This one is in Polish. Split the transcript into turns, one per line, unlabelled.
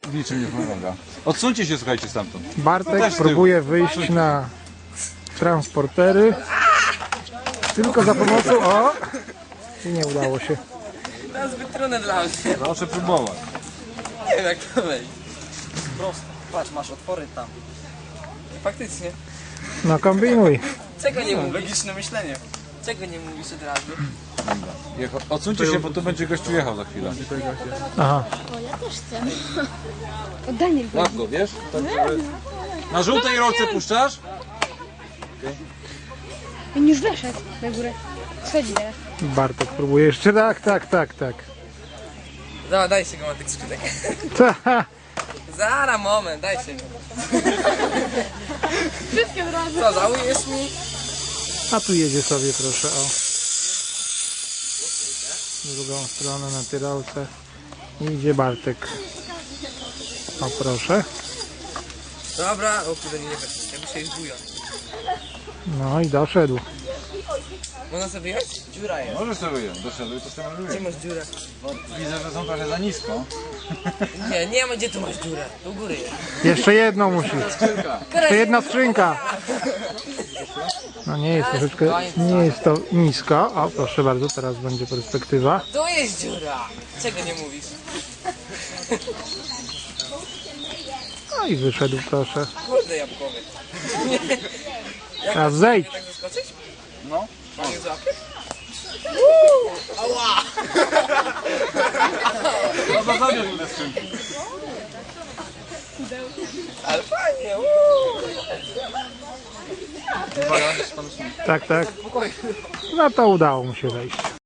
w niczym nie pomaga. Odsuńcie się, słuchajcie, stamtąd.
Bartek próbuje wyjść na transportery. Tylko za pomocą... O! I nie udało się.
To jest zbyt trudne dla mnie.
Proszę próbować.
Nie wiem jak to wejść.
Prosto. Patrz, masz otwory tam.
Faktycznie.
No kombinuj.
Czego nie mówisz?
Logiczne myślenie.
Czego nie mówisz od razu?
Odsuńcie się, bo tu będzie gościu jechał za chwilę.
Aha.
O, ja też chcę. O, Daniel.
Łap go, wiesz? Tak, żeby... Na żółtej rolce puszczasz?
On już weszedł na górę. Schodzi teraz.
Bartek próbuje jeszcze. Tak.
Dobra, daj się go na tych skrzynek.
Ta.
Zara, moment, daj się go.
Wszystkie od razu.
Co, żałujesz mi?
A tu jedzie sobie, proszę, o. W drugą stronę na tyrolce. I idzie Bartek. O, proszę.
Dobra, o kurde, nie weszł. Jakby się już bują.
No i doszedł.
Można sobie wyjąć?
Dziura jest.
Możesz sobie wyjąć. Doszedłeś, to sobie
Gdzie
wyjąć.
masz dziurę?
Widzę, że są trochę za nisko.
Nie ma gdzie tu masz dziurę. Do góry jest.
Jeszcze jedną musi. Jeszcze jedna skrzynka. No nie jest troszeczkę, nie jest to nisko. O, proszę bardzo, teraz będzie perspektywa.
Tu jest dziura. Czego nie mówisz?
No i wyszedł, proszę.
Kurde jabłkowy.
Teraz zejdź.
Tak zaskoczyć?
No.
A nie złapiesz?
No to zabierz te skrzynki.
Ale fajnie.
Tak. No to udało mu się wejść.